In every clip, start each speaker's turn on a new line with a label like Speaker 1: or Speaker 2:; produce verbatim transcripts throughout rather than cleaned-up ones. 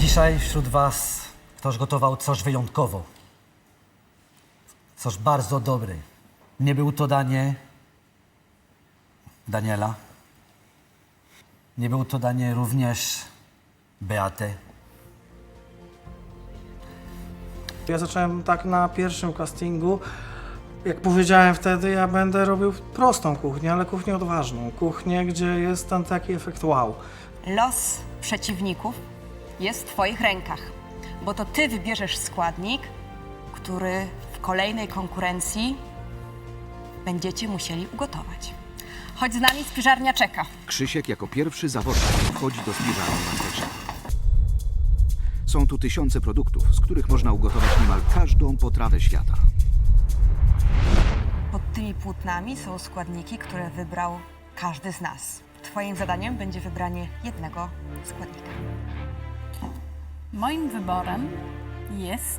Speaker 1: Dzisiaj wśród was ktoś gotował coś wyjątkowo. Coś bardzo dobre. Nie było to danie Daniela. Nie było to danie również Beaty.
Speaker 2: Ja zacząłem tak na pierwszym castingu. Jak powiedziałem wtedy, ja będę robił prostą kuchnię, ale kuchnię odważną. Kuchnię, gdzie jest ten taki efekt wow.
Speaker 3: Los przeciwników jest w twoich rękach, bo to ty wybierzesz składnik, który w kolejnej konkurencji będziecie musieli ugotować. Chodź z nami, spiżarnia czeka.
Speaker 4: Krzysiek jako pierwszy zawodnik wchodzi do spiżarni Masterchefa. Są tu tysiące produktów, z których można ugotować niemal każdą potrawę świata.
Speaker 3: Pod tymi płótnami są składniki, które wybrał każdy z nas. Twoim zadaniem będzie wybranie jednego składnika.
Speaker 5: Moim wyborem jest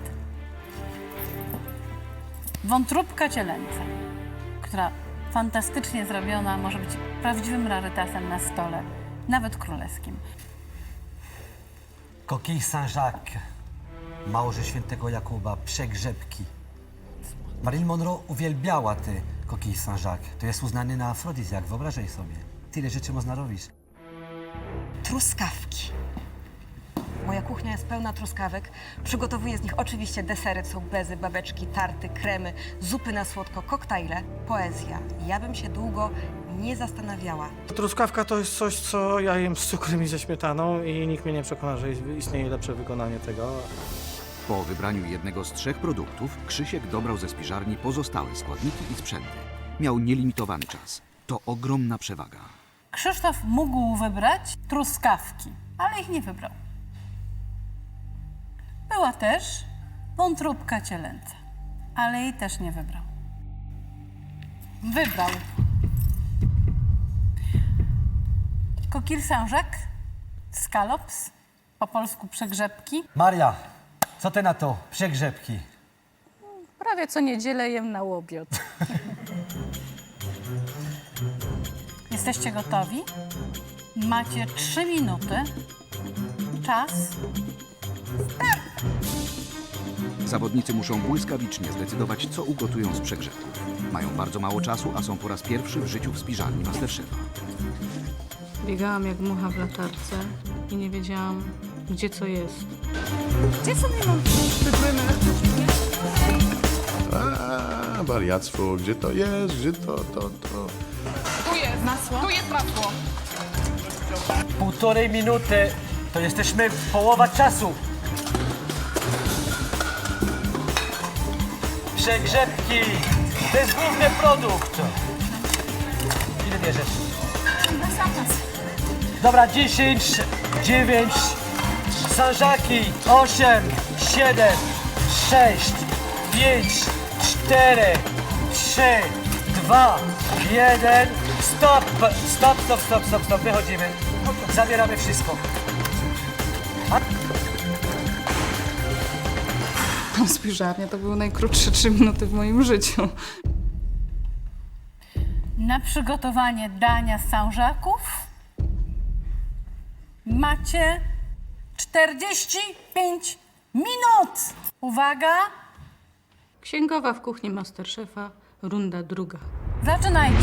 Speaker 5: wątróbka cielęca, która fantastycznie zrobiona może być prawdziwym rarytasem na stole, nawet królewskim.
Speaker 1: Coquille Saint-Jacques, małże świętego Jakuba, przegrzebki. Marilyn Monroe uwielbiała te Coquille Saint-Jacques. To jest uznany na afrodyzjak, wyobrażaj sobie. Tyle rzeczy można robić.
Speaker 3: Truskawki. Moja kuchnia jest pełna truskawek. Przygotowuję z nich oczywiście desery, są bezy, babeczki, tarty, kremy, zupy na słodko, koktajle, poezja. Ja bym się długo nie zastanawiała.
Speaker 2: Truskawka to jest coś, co ja jem z cukrem i ze śmietaną i nikt mnie nie przekona, że istnieje lepsze wykonanie tego.
Speaker 4: Po wybraniu jednego z trzech produktów, Krzysiek dobrał ze spiżarni pozostałe składniki i sprzęty. Miał nielimitowany czas. To ogromna przewaga.
Speaker 5: Krzysztof mógł wybrać truskawki, ale ich nie wybrał. Była też wątróbka cielęca, ale jej też nie wybrał. Wybrał Coquille Saint-Jacques, scallops, po polsku przegrzebki.
Speaker 1: Maria, co ty na to? Przegrzebki.
Speaker 5: Prawie co niedzielę jem na łobiot. Jesteście gotowi? Macie trzy minuty. Czas.
Speaker 4: Zawodnicy muszą błyskawicznie zdecydować, co ugotują z przegrzebków. Mają bardzo mało czasu, a są po raz pierwszy w życiu w spiżarni Masterchefa.
Speaker 6: Biegałam jak mucha w latarce i nie wiedziałam, gdzie co jest.
Speaker 5: Gdzie sobie mam?
Speaker 7: A, wariactwo, gdzie to jest, gdzie to, to, to.
Speaker 5: Tu jest masło. Tu jest masło.
Speaker 1: Półtorej minuty, to jesteśmy w połowa czasu. Przegrzebki, to jest główny produkt. Ile bierzesz? Dobra, dziesięć, dziewięć, sanżaki, osiem, siedem, sześć, pięć, cztery, trzy, dwa, jeden, stop, stop, stop, stop, stop, stop, wychodzimy, zabieramy wszystko.
Speaker 6: Spiżarnia to były najkrótsze trzy minuty w moim życiu.
Speaker 5: Na przygotowanie dania z Saint-Jacques'ów macie czterdzieści pięć minut. Uwaga,
Speaker 6: Księgowa w kuchni Masterchefa, runda druga.
Speaker 5: zaczynajcie.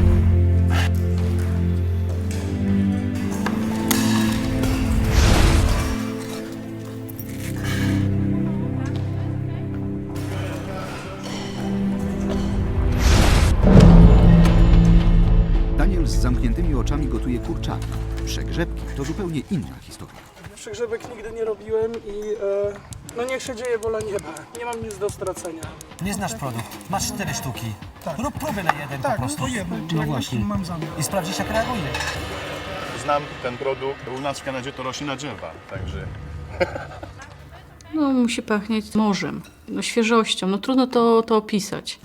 Speaker 4: Daniel z zamkniętymi oczami gotuje kurczaki. Przegrzebki to zupełnie inna historia.
Speaker 2: Przegrzebek nigdy nie robiłem i e, no niech się dzieje wola nieba. Nie mam nic do stracenia.
Speaker 1: Nie znasz produkt, masz cztery sztuki. Rób próbę na jeden po prostu.
Speaker 2: po jednym.
Speaker 1: No
Speaker 2: Jak
Speaker 1: właśnie.
Speaker 2: mam zamiar.
Speaker 1: I sprawdzisz, jak reaguje.
Speaker 7: Znam ten produkt, u nas w Kanadzie to rośnie na drzewa, także...
Speaker 6: No, musi pachnieć morzem, no, świeżością. No trudno to, to opisać.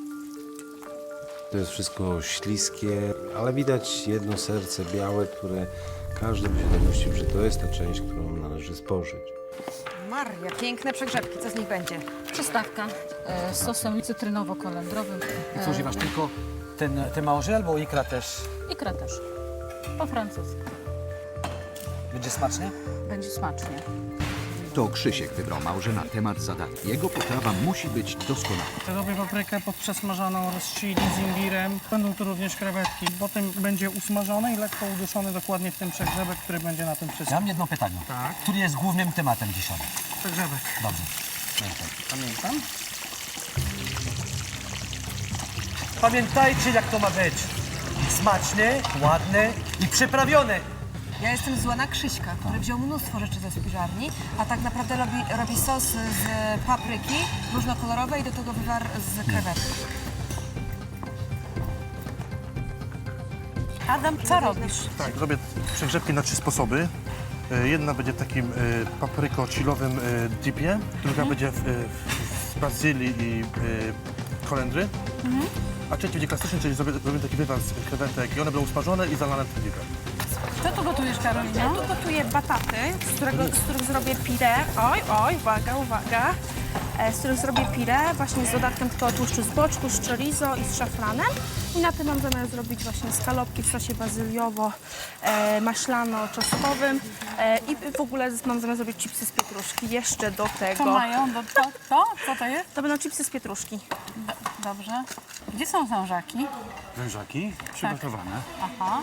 Speaker 8: To jest wszystko śliskie, ale widać jedno serce białe, które każdy by się dopuścił, że to jest ta część, którą należy spożyć.
Speaker 3: Maria, piękne przegrzebki, co z nich będzie?
Speaker 6: Przystawka e, z sosem cytrynowo-kolendrowym.
Speaker 1: I co, używasz tylko ten, te małże albo ikra też?
Speaker 6: Ikra też, po francusku.
Speaker 1: Będzie smacznie?
Speaker 6: Będzie smacznie.
Speaker 4: To Krzysiek wybrał małże na temat zadań. Jego potrawa musi być doskonała.
Speaker 2: Robię paprykę podprzesmażaną oraz chili z imbirem. Będą tu również krewetki. Potem będzie usmażone i lekko uduszone dokładnie w tym przegrzebek, który będzie na tym
Speaker 1: Ja
Speaker 2: wszystkim.
Speaker 1: mam jedno pytanie.
Speaker 2: Tak.
Speaker 1: Który jest głównym tematem dzisiaj?
Speaker 2: Przegrzebek.
Speaker 1: Dobrze. Pamiętaj.
Speaker 2: Pamiętam.
Speaker 1: Pamiętajcie, jak to ma być. Smaczne, ładne i przyprawione.
Speaker 3: Ja jestem zła na Krzyśka, który wziął mnóstwo rzeczy ze spiżarni, a tak naprawdę robi, robi sos z papryki różnokolorowej i do tego wywar z krewetek.
Speaker 5: Adam, co robisz?
Speaker 9: Tak, robię przegrzebki na trzy sposoby. E, Jedna będzie w takim e, papryko-chillowym e, dipie, druga będzie w, e, w, z bazylii i e, kolendry, a trzecia będzie klasyczny, czyli zrobię, zrobię taki wywar z krewetek i one będą usmażone i zalane tym dipem.
Speaker 5: Co tu gotujesz, Karolina?
Speaker 10: Ja tu gotuję bataty, z, którego, z których zrobię pire. Oj, oj, uwaga, uwaga. E, Z których zrobię pire, właśnie z dodatkiem tylko tłuszczu z boczku, z chorizo i z szafranem. I na tym mam zamiar zrobić właśnie skalopki w sosie bazyliowo-maślano-czosnkowym. E, I w ogóle mam zamiar zrobić chipsy z pietruszki. Jeszcze do
Speaker 5: Co
Speaker 10: tego.
Speaker 5: mają? Do, to, to? Co to jest?
Speaker 10: To będą chipsy z pietruszki.
Speaker 5: Do, dobrze. Gdzie są wężaki?
Speaker 11: Wężaki przygotowane,
Speaker 5: Aha.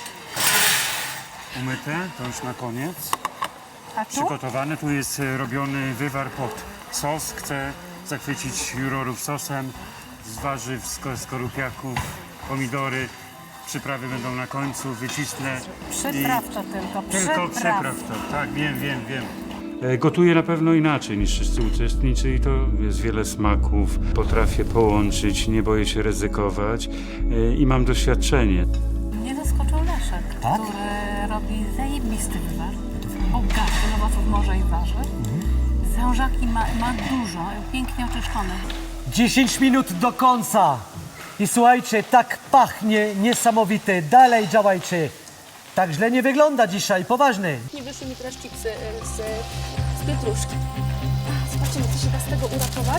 Speaker 11: umyte, to już na koniec.
Speaker 5: A tu?
Speaker 11: Przygotowane, tu jest e, robiony wywar pod sos. Chcę zachwycić jurorów sosem z warzyw, z skorupiaków, pomidory. Przyprawy będą na końcu, wycisnę.
Speaker 5: Przypraw to tylko.
Speaker 11: Tylko przypraw to, tak, wiem, wiem, wiem. Gotuję na pewno inaczej niż wszyscy uczestnicy i to jest wiele smaków. Potrafię połączyć, nie boję się ryzykować e, i mam doświadczenie.
Speaker 5: Mnie zaskoczył Leszek,
Speaker 1: Tak?
Speaker 5: który robi zajebisty wywar. Bogaty owoców morza i warzyw. Wężaki ma, ma dużo, pięknie oczyszczone.
Speaker 1: dziesięć minut do końca. I słuchajcie, tak pachnie niesamowite. Dalej działajcie. Tak źle nie wygląda dzisiaj, poważny.
Speaker 10: Nie wyszły mi teraz chipsy z, z pietruszki. Zobaczymy, co się da z tego uratować.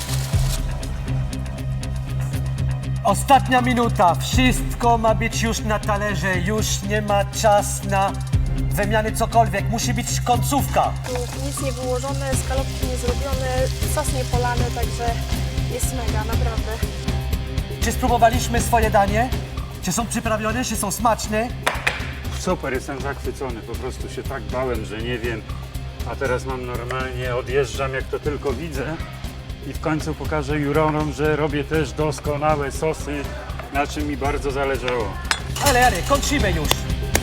Speaker 1: Ostatnia minuta. Wszystko ma być już na talerze. Już nie ma czas na wymiany cokolwiek. Musi być końcówka.
Speaker 10: Tu nic nie wyłożone, skalopki nie zrobione, sos nie polany, także jest mega, naprawdę.
Speaker 1: Czy spróbowaliśmy swoje danie? Czy są przyprawione? Czy są smaczne?
Speaker 11: Super, jestem zachwycony, po prostu się tak bałem, że nie wiem, a teraz mam normalnie, odjeżdżam jak to tylko widzę i w końcu pokażę jurorom, że robię też doskonałe sosy, na czym mi bardzo zależało.
Speaker 1: Ale, ale, kończymy już.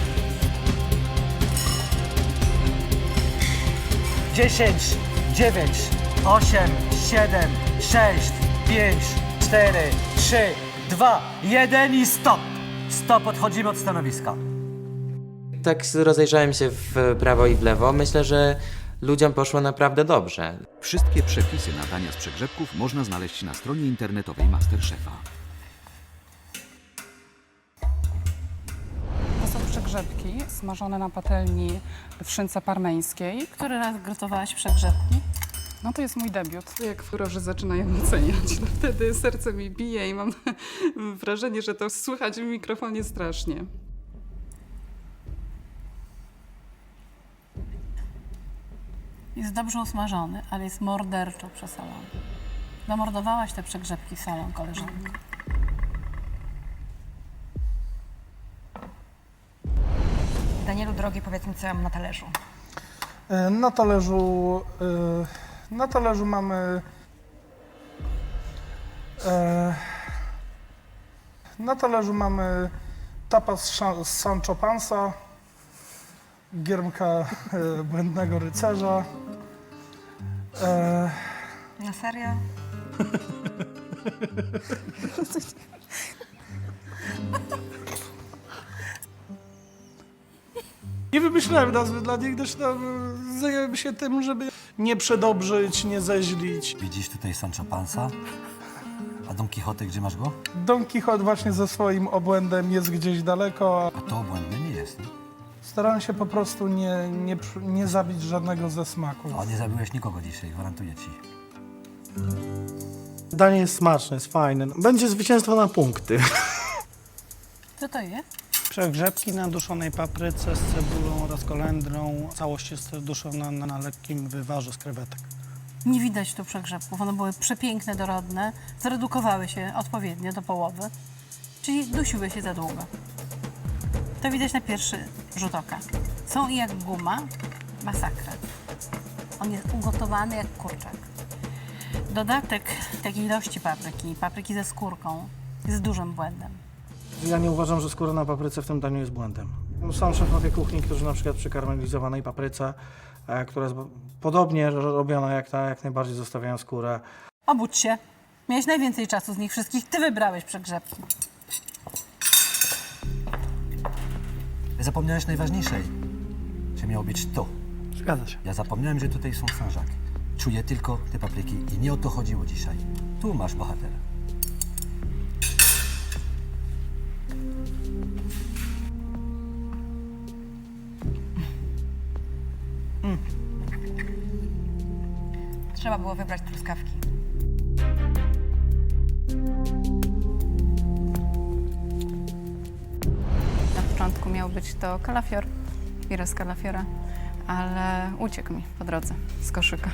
Speaker 1: dziesięć, dziewięć, osiem, siedem, sześć, pięć, cztery, trzy, dwa, jeden i stop. Stop, odchodzimy od stanowiska.
Speaker 12: Tak rozejrzałem się w prawo i w lewo. Myślę, że ludziom poszło naprawdę dobrze.
Speaker 4: Wszystkie przepisy na dania z przegrzebków można znaleźć na stronie internetowej Masterchefa.
Speaker 13: To są przegrzebki smażone na patelni w szynce parmeńskiej.
Speaker 5: Który raz gotowałaś przegrzebki?
Speaker 13: No to jest mój debiut. Jak jurorzy zaczynają oceniać, no wtedy serce mi bije i mam wrażenie, że to słychać w mikrofonie strasznie.
Speaker 5: Jest dobrze usmażony, ale jest morderczo przesolony. Zamordowałaś te przegrzebki solą, koleżanko.
Speaker 3: Danielu, drogi, powiedz mi, co ja mam na talerzu.
Speaker 2: E, Na talerzu, e, na talerzu mamy e, na talerzu mamy tapas z Sancho Panza, giermka e, Błędnego Rycerza. E,
Speaker 3: Na serio?
Speaker 2: Nie wymyślałem nazwy dla nich, gdyż tam zajęłem się tym, żeby nie przedobrzyć, nie zeźlić.
Speaker 1: Widzisz tutaj Sancho Panza? A Don Quixote, gdzie masz go?
Speaker 2: Don Quixote właśnie ze swoim obłędem jest gdzieś daleko.
Speaker 1: A to obłędny nie jest, nie?
Speaker 2: Starałem się po prostu nie, nie, nie zabić żadnego ze smaków.
Speaker 1: O, nie zabiłeś nikogo dzisiaj, gwarantuję ci.
Speaker 2: Danie jest smaczne, jest fajne. Będzie zwycięstwo na punkty.
Speaker 5: Co to jest?
Speaker 2: Przegrzebki na duszonej papryce z cebulą oraz kolendrą. Całość jest duszona na, na lekkim wywarze z krewetek.
Speaker 5: Nie widać tu przegrzebków. One były przepiękne, dorodne, zredukowały się odpowiednio do połowy, czyli dusiły się za długo. To widać na pierwszy rzut oka. Są jak guma, masakra. On jest ugotowany jak kurczak. Dodatek takiej ilości papryki, papryki ze skórką, jest dużym błędem.
Speaker 2: Ja nie uważam, że skóra na papryce w tym daniu jest błędem. Są szefowie kuchni, którzy na przykład przy karmelizowanej papryce, e, która jest podobnie robiona jak ta, jak najbardziej zostawiają skórę.
Speaker 5: Obudź się. Miałeś najwięcej czasu z nich wszystkich. Ty wybrałeś przegrzebki.
Speaker 1: Zapomniałeś najważniejszej, że miało być to.
Speaker 2: Zgadza się.
Speaker 1: Ja zapomniałem, że tutaj są Saint-Jacques. Czuję tylko te papryki i nie o to chodziło dzisiaj. Tu masz bohatera.
Speaker 3: Mm. Trzeba było wybrać truskawki.
Speaker 13: Na początku miał być to kalafior, pire z kalafiora, ale uciekł mi po drodze z koszyka.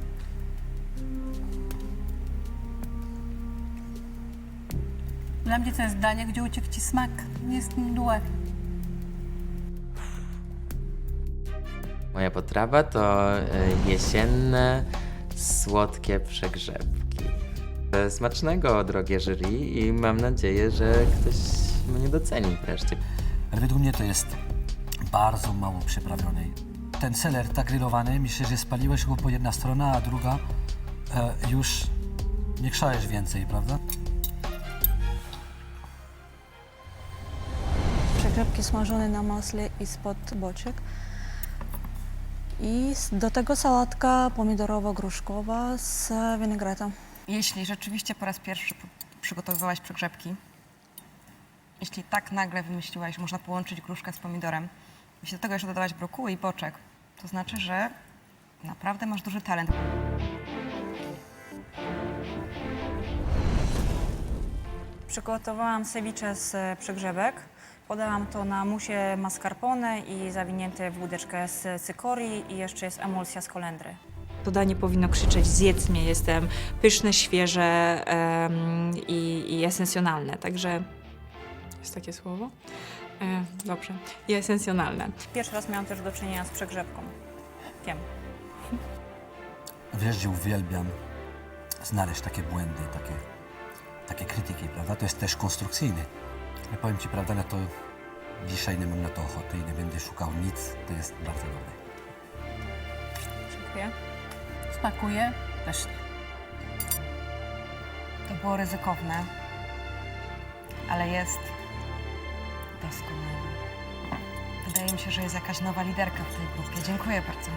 Speaker 5: Dla mnie to jest danie, gdzie uciekł ci smak. Jest mdłe.
Speaker 12: Moja potrawa to e, jesienne, słodkie przegrzebki. E, Smacznego, drogie jury, i mam nadzieję, że ktoś mnie doceni wreszcie.
Speaker 1: Ale według mnie to jest bardzo mało przyprawionej. Ten seler tak grillowany, myślę, że spaliłeś go po jedna strona, a druga e, już nie krzałeś więcej, prawda?
Speaker 10: Przegrzebki smażone na masle i spod boczek. I s- do tego sałatka pomidorowo-gruszkowa z winegretem.
Speaker 3: Jeśli rzeczywiście po raz pierwszy p- przygotowywałaś przegrzebki, jeśli tak nagle wymyśliłaś, że można połączyć gruszkę z pomidorem, jeśli do tego jeszcze dodałaś brokuły i boczek, to znaczy, że naprawdę masz duży talent.
Speaker 14: Przygotowałam ceviche z przegrzebek. Podałam to na musie mascarpone i zawinięte w łódeczkę z cykorii i jeszcze jest emulsja z kolendry.
Speaker 15: To danie powinno krzyczeć: zjedz mnie, jestem pyszne, świeże em, i, i esencjonalne. Także jest takie słowo? E, dobrze. I esencjonalne.
Speaker 14: Pierwszy raz miałam też do czynienia z przegrzebką. Wiem.
Speaker 1: Wiesz, że uwielbiam znaleźć takie błędy, takie, takie krytyki, prawda? To jest też konstrukcyjny. Ja powiem ci, prawda, na to dzisiaj nie mam na to ochoty i nie będę szukał nic. To jest bardzo dobre.
Speaker 14: Dziękuję.
Speaker 5: Smakuje pysznie.
Speaker 3: To było ryzykowne, ale jest doskonałe. Wydaje mi się, że jest jakaś nowa liderka w tej grupie. Dziękuję bardzo.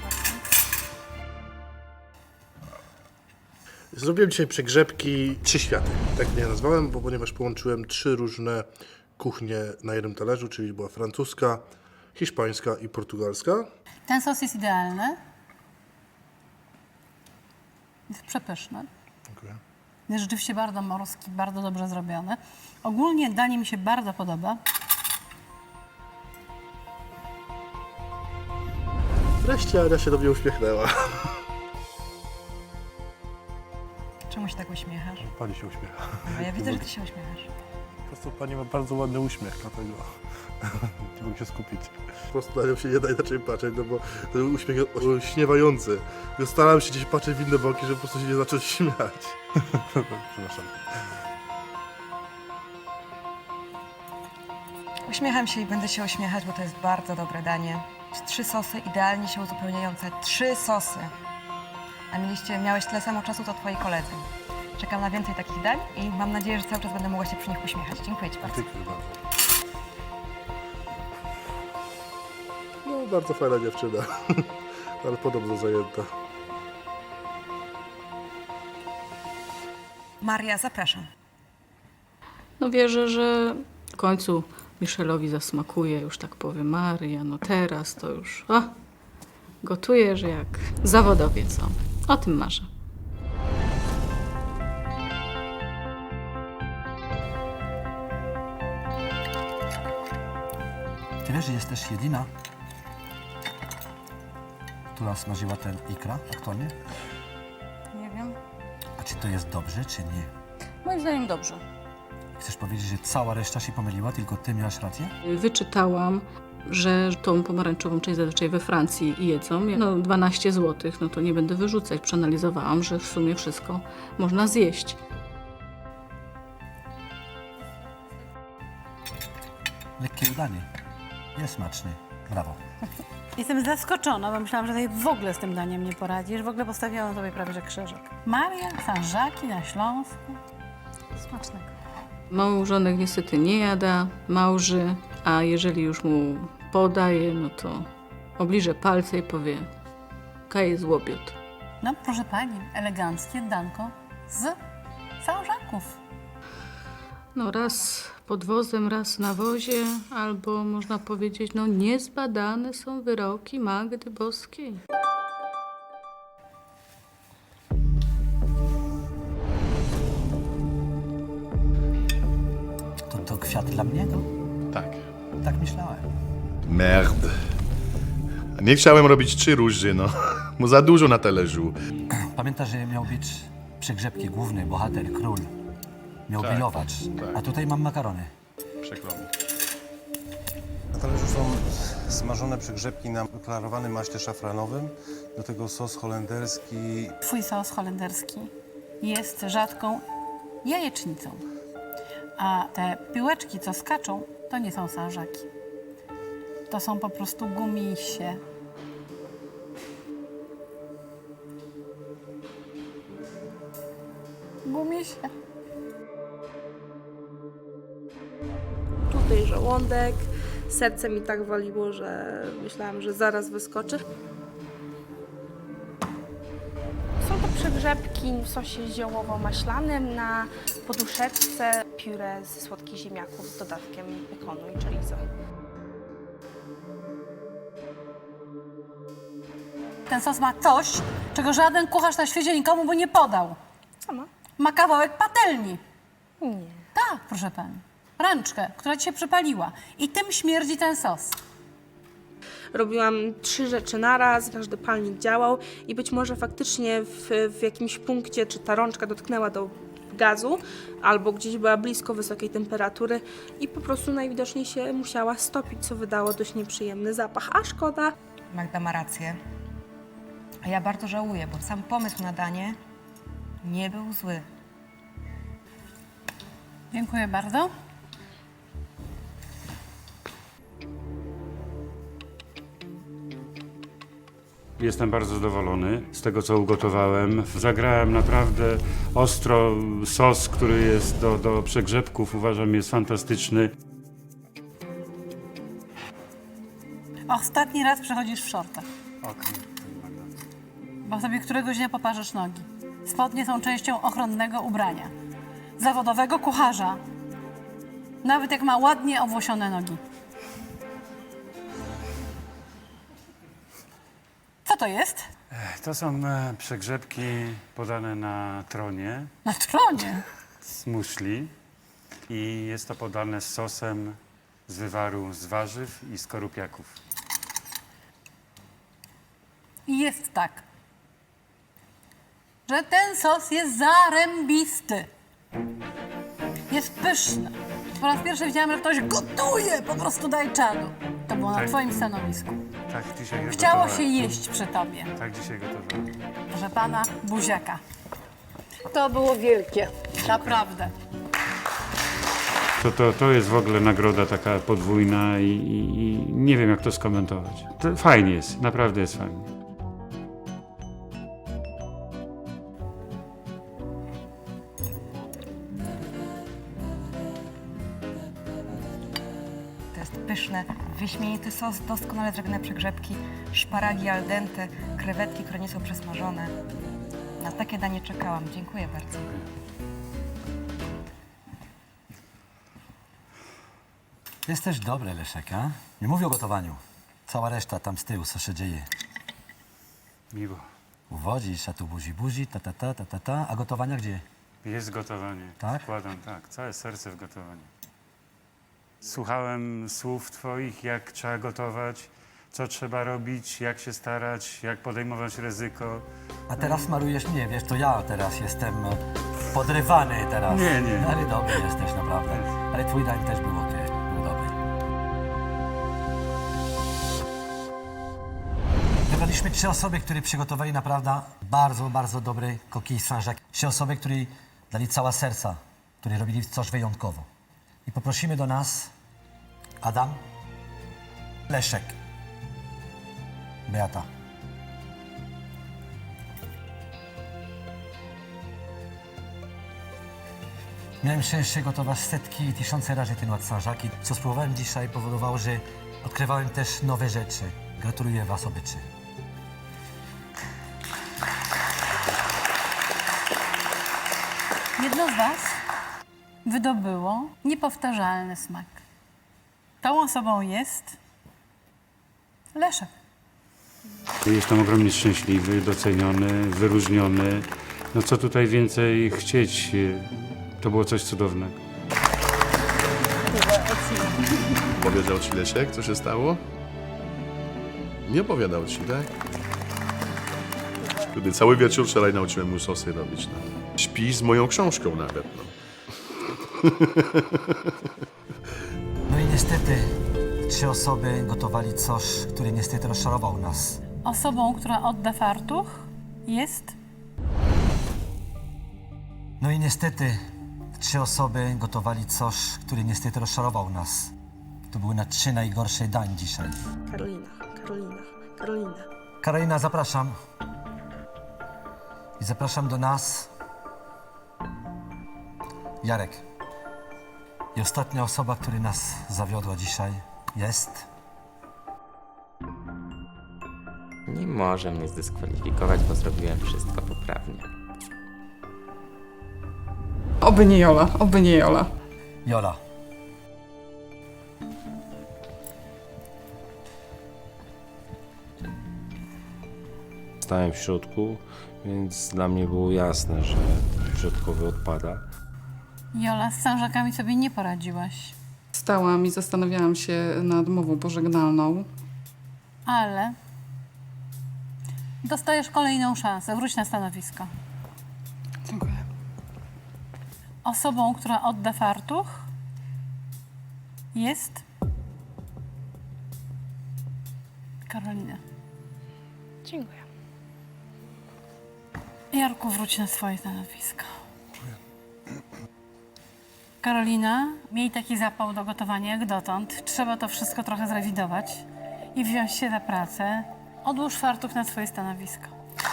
Speaker 7: Zrobiłem dzisiaj przegrzebki trzy światy. Tak mnie nazwałem, bo ponieważ połączyłem trzy różne kuchnie na jednym talerzu, czyli była francuska, hiszpańska i portugalska.
Speaker 5: Ten sos jest idealny. Jest przepyszny.
Speaker 7: Dziękuję.
Speaker 5: Jest rzeczywiście bardzo morski, bardzo dobrze zrobiony. Ogólnie danie mi się bardzo podoba.
Speaker 7: Wreszcie Ania się do mnie uśmiechnęła.
Speaker 3: Czemu się tak uśmiechasz?
Speaker 7: Pani się uśmiecha.
Speaker 3: No, ja widzę, że ty się uśmiechasz.
Speaker 7: Po prostu pani ma bardzo ładny uśmiech, dlatego nie mogę się skupić. Po prostu na nią się nie da inaczej patrzeć, no bo ten uśmiech jest olśniewający. Ja starałem się gdzieś patrzeć w inne boki, żeby po prostu się nie zacząć śmiać. Przepraszam.
Speaker 3: Uśmiecham się i będę się uśmiechać, bo to jest bardzo dobre danie. Trzy sosy idealnie się uzupełniające. Trzy sosy. A mieliście, miałeś tyle samo czasu, co twoi koledzy. Czekam na więcej takich dań i mam nadzieję, że cały czas będę mogła się przy nich uśmiechać. Dziękuję ci bardzo.
Speaker 7: Dziękuję bardzo. No, bardzo fajna dziewczyna, ale podobno zajęta.
Speaker 3: Maria, zapraszam.
Speaker 6: No wierzę, że w końcu Michelowi zasmakuje, już tak powiem, Maria, no teraz to już, a, gotujesz jak zawodowiec, o, o tym marzę.
Speaker 1: Ty wiesz, że jesteś jedyna, która smażyła ten ikra aktualnie?
Speaker 6: Nie wiem.
Speaker 1: A czy to jest dobrze, czy nie?
Speaker 6: Moim zdaniem dobrze.
Speaker 1: Chcesz powiedzieć, że cała reszta się pomyliła, tylko ty miałaś rację?
Speaker 6: Wyczytałam, że tą pomarańczową część zazwyczaj we Francji jedzą. No dwanaście złotych, no to nie będę wyrzucać. Przeanalizowałam, że w sumie wszystko można zjeść.
Speaker 1: Lekkie udanie. Jest smaczny. Brawo.
Speaker 5: Jestem zaskoczona, bo myślałam, że tutaj w ogóle z tym daniem nie poradzisz. W ogóle postawiłam sobie prawie że krzyżyk. Maria, Sanżaki na Śląsku. Smacznego.
Speaker 6: Małżonek niestety nie jada, małży, a jeżeli już mu podaje, no to obliże palce i powie: kaje złobiot.
Speaker 5: No proszę pani, eleganckie danko z Sanżaków.
Speaker 6: No raz pod wozem, raz na wozie, albo można powiedzieć, no niezbadane są wyroki Magdy Boskiej.
Speaker 1: To, to kwiat dla mnie? No?
Speaker 7: Tak.
Speaker 1: Tak myślałem.
Speaker 7: Merde. Nie chciałem robić trzy róży, no. Mu za dużo na talerzu.
Speaker 1: Pamiętasz, że miał być przegrzebki, główny bohater, król. Miał
Speaker 8: Tak,
Speaker 1: grillować,
Speaker 8: tak.
Speaker 1: a tutaj mam makarony.
Speaker 8: Przykro mi. Na talerzu są smażone przygrzebki na klarowanym maśle szafranowym, do tego sos holenderski.
Speaker 5: Twój sos holenderski jest rzadką jajecznicą, a te piłeczki, co skaczą, to nie są sanżaki. To są po prostu gumisie. Gumisie.
Speaker 10: Tutaj żołądek, serce mi tak waliło, że myślałam, że zaraz wyskoczy. Są to przegrzebki w sosie ziołowo-maślanym na poduszeczce, pióre ze słodkich ziemniaków z dodatkiem bekonu i chorizo.
Speaker 5: Ten sos ma coś, czego żaden kucharz na świecie nikomu by nie podał.
Speaker 10: Co ma?
Speaker 5: Ma kawałek patelni.
Speaker 10: Nie.
Speaker 5: Tak, proszę pani. Rączkę, która ci się przepaliła. I tym śmierdzi ten sos.
Speaker 10: Robiłam trzy rzeczy naraz, każdy palnik działał i być może faktycznie w, w jakimś punkcie, czy ta rączka dotknęła do gazu, albo gdzieś była blisko wysokiej temperatury i po prostu najwidoczniej się musiała stopić, co wydało dość nieprzyjemny zapach, a szkoda.
Speaker 14: Magda ma rację. A ja bardzo żałuję, bo sam pomysł na danie nie był zły.
Speaker 5: Dziękuję bardzo.
Speaker 11: Jestem bardzo zadowolony z tego, co ugotowałem. Zagrałem naprawdę ostro. Sos, który jest do, do przegrzebków, uważam, jest fantastyczny.
Speaker 5: Ostatni raz przechodzisz w shortach,
Speaker 11: Okej.
Speaker 5: bo sobie któregoś dnia poparzysz nogi. Spodnie są częścią ochronnego ubrania. Zawodowego kucharza. Nawet jak ma ładnie owłosione nogi. Co to jest?
Speaker 11: To są e, przegrzebki podane na tronie
Speaker 5: Na tronie.
Speaker 11: z muszli i jest to podane z sosem z wywaru z warzyw i skorupiaków.
Speaker 5: I jest tak, że ten sos jest zarębisty. Jest pyszny. Po raz pierwszy widziałam, że ktoś gotuje, po prostu daj czadu. To było na
Speaker 11: Tak.
Speaker 5: twoim stanowisku.
Speaker 11: Tak dzisiaj
Speaker 5: Chciało
Speaker 11: gotowałem.
Speaker 5: się jeść przy tobie.
Speaker 11: Tak dzisiaj gotowałem.
Speaker 5: Proszę pana, buziaka. To było wielkie, naprawdę.
Speaker 11: To, to, to jest w ogóle nagroda taka podwójna i, i, i nie wiem, jak to skomentować. To fajnie jest, naprawdę jest fajnie.
Speaker 14: To jest pyszne, wyśmienity sos, doskonale zrobione przegrzebki, szparagi al dente, krewetki, które nie są przesmażone. Na takie danie czekałam. Dziękuję bardzo.
Speaker 1: Jest też dobre, Leszek, a? Nie mówię o gotowaniu. Cała reszta tam z tyłu, co się dzieje.
Speaker 11: Miło.
Speaker 1: Uwodzisz, a tu buzi, buzi, ta, ta, ta, ta, ta, ta. A gotowania gdzie?
Speaker 11: Jest gotowanie.
Speaker 1: Tak?
Speaker 11: Wkładam, tak, całe serce w gotowanie. Słuchałem słów twoich, jak trzeba gotować, co trzeba robić, jak się starać, jak podejmować ryzyko.
Speaker 1: A teraz malujesz mnie, wiesz, to ja teraz jestem podrywany teraz.
Speaker 11: Nie, nie.
Speaker 1: Ale dobry jesteś naprawdę. Ale twój dań też był okej, był dobry. Wybraliśmy trzy osoby, które przygotowali naprawdę bardzo, bardzo dobry coquille Saint-Jacques. Trzy osoby, które dali całe serca, które robili coś wyjątkowo. I poprosimy do nas Adam, Leszek, Beata. Miałem szczęście gotować setki i tysiące razy ten ład Saint-Jacques. I co spróbowałem dzisiaj, powodowało, że odkrywałem też nowe rzeczy. Gratuluję was obyczy.
Speaker 5: Jedno z was wydobyło niepowtarzalny smak. Tą osobą jest Leszek.
Speaker 11: Jestem ogromnie szczęśliwy, doceniony, wyróżniony. No co tutaj więcej chcieć? To było coś cudownego.
Speaker 7: Powiedział ci Leszek, co się stało? Nie opowiadał ci, tak? Wtedy cały wieczór wczoraj nauczyłem mu sosy robić. No. Śpi z moją książką nawet, no.
Speaker 1: No i niestety trzy osoby gotowali coś, które niestety rozczarował nas.
Speaker 5: Osobą, która odda fartuch, jest
Speaker 1: No i niestety trzy osoby gotowali coś, które niestety rozczarował nas. To były na trzy najgorsze dań dzisiaj.
Speaker 10: Karolina, Karolina, Karolina.
Speaker 1: Karolina, zapraszam. I zapraszam do nas Jarek. I ostatnia osoba, która nas zawiodła dzisiaj, jest...
Speaker 12: Nie może mnie zdyskwalifikować, bo zrobiłem wszystko poprawnie.
Speaker 13: Oby nie Jola, oby nie Jola.
Speaker 1: Jola.
Speaker 8: Stałem w środku, więc dla mnie było jasne, że środkowy odpada.
Speaker 5: Jola, z Saint-Jacques'ami sobie nie poradziłaś,
Speaker 13: Stałam i zastanawiałam się nad mową pożegnalną.
Speaker 5: ale dostajesz kolejną szansę. Wróć na stanowisko.
Speaker 13: Dziękuję.
Speaker 5: Osobą, która odda fartuch, jest Karolina.
Speaker 10: Dziękuję.
Speaker 5: Jarku, wróć na swoje stanowisko. Karolina, miej taki zapał do gotowania jak dotąd. Trzeba to wszystko trochę zrewidować i wziąć się za pracę. Odłóż fartuch na swoje stanowisko.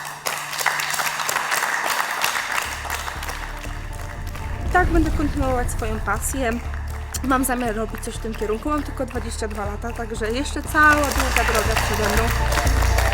Speaker 10: Tak, będę kontynuować swoją pasję. Mam zamiar robić coś w tym kierunku. Mam tylko dwadzieścia dwa lata, także jeszcze cała długa droga przede mną.